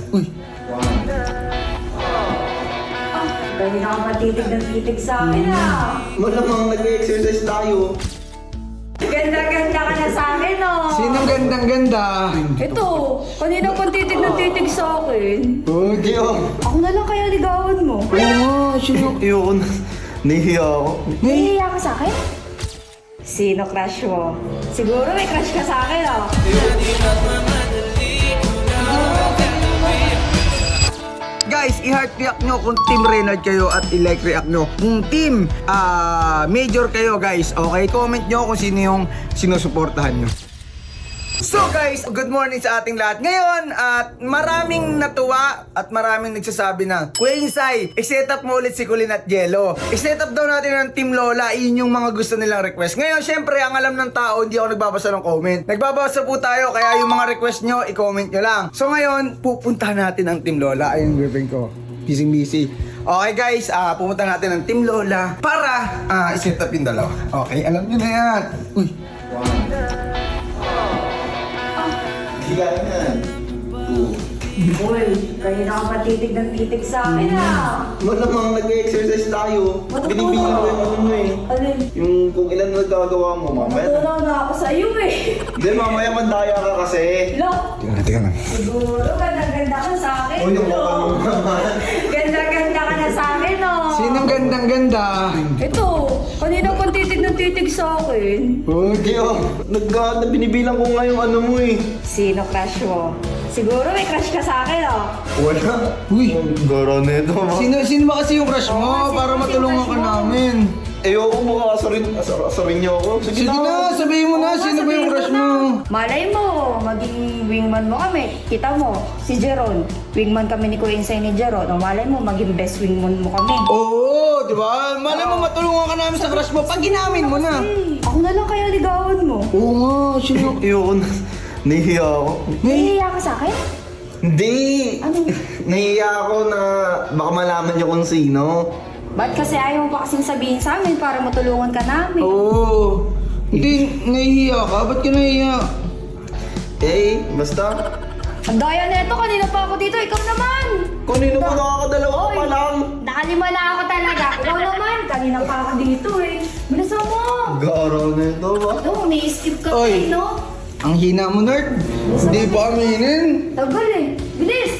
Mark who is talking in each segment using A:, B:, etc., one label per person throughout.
A: Uy.
B: Pwede na ka matitig ng titig sa akin
C: Malamang nag-exercise tayo.
B: Ganda-ganda ka na sa akin
A: Sinong gandang-ganda?
B: Ito, kanina pang titig ng titig sa akin.
C: Hindi
B: Ako na lang kaya ligawan mo.
A: Oo nga, sino?
C: Ayoko na. Nahihiya ako.
B: Nahihiya ka sa akin? Sino crush mo? Siguro may crush ka sa akin
A: Guys, i-heart react nyo kung team Reynard kayo at i-like react nyo kung team Major kayo guys. Okay, comment nyo kung sino yung sinusuportahan nyo. So guys, good morning sa ating lahat. Ngayon, at maraming natuwa at maraming nagsasabi na, Kuya Insay, i-set up mo ulit si Kulin at Jello. I-set up daw natin ng Team Lola, yun yung mga gusto nilang request. Ngayon, syempre, ang alam ng tao, hindi ako nagbabasa ng comment. Nagbabasa po tayo, kaya yung mga request nyo, i-comment nyo lang. So ngayon, pupuntahan natin ang Team Lola. Ayun, girlfriend ko. Busy. Okay guys, pumunta natin ng Team Lola para i-set up yung dalawa. Okay, alam nyo na yan. Uy.
C: Higain yan.
B: Uy, kanina ka matitig ng titig sa akin
C: Malamang nag-exercise tayo. Binibilang ko yung ano mo eh.
B: Alin?
C: Yung kung ilan nagagawa mo, mamaya.
B: Natulaw na ako sa'yo
C: Hindi, mamaya mandaya ka kasi.
B: Look,
A: Tingnan lang.
B: siguro ganda-ganda ka sa akin
C: O yung mukha mo naman.
B: Ganda-ganda ka na sa akin
A: Sinong gandang-ganda?
B: Ito, kanina pang titig ng titig sa akin.
C: Hindi binibilang ko nga yung ano mo eh.
B: Sino crush mo? Siguro may crush ka sa akin
C: Wala.
A: Uy.
C: Gara na ito ma.
A: Sino ba kasi yung crush mo?
B: kasi
A: Para
B: yung
A: matulungan
B: crush
A: ka
B: mo.
A: namin.
C: Ayoko mo asarin niyo ako.
A: Sige na, sabihin mo na,
B: Oo nga,
A: sino ba yung
B: sabihin
A: crush
B: na.
A: mo?
B: Malay mo, maging wingman mo kami. Kita mo, si Jeron. Wingman kami ni Kuya Insay ni Jeron. O malay mo, maging best wingman mo kami.
A: Oo, di ba? Malay mo matulungan ka namin sa crush mo pag ginamin mo na.
B: Ako na lang kaya ligawan mo.
A: Oo nga, sino?
C: Ayoko na. Nahihiya ako.
B: Nahihiya ka sa akin?
C: Hindi.
B: Ano?
C: Nahihiya ako na baka malaman niyo kung sino.
B: Ba't kasi ayaw mo pa kasing sabihin sa amin para matulungan ka namin?
A: Oo. Hindi, nahihiya ka? Ba't ka nahihiya?
C: Eh, basta.
B: Ang daya na ito, kanina pa ako dito, ikaw naman!
C: Kanino pa nakakadalawa ka pa lang?
B: Nakalima na ako talaga. Ikaw naman, kanina pa ako dito Bilisan mo!
C: Gara na ito ba?
B: Oo, may skip ka
A: Oy.
B: no?
A: Ang hina mo, nerd. Hindi pa aminin.
B: Tagal Bilis!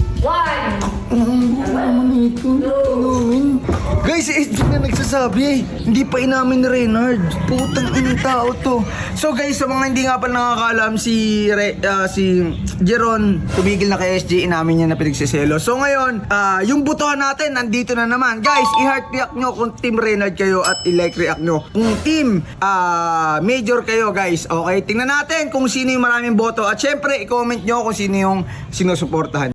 B: 1!
A: Guys, si SG na nagsasabi. Hindi pa inamin ni Reynard. Putang inang tao to. So guys, sa mga hindi nga pala nakakaalam, si Jeron tumigil na kay SG, inamin niya na pinagsiselo. So ngayon, yung butuhan natin nandito na naman. Guys, i-heart react nyo kung team Reynard kayo at i-like react nyo kung team Major kayo guys. Okay, tingnan natin kung sino yung maraming boto. At syempre, i-comment nyo kung sino yung sinusuportahan.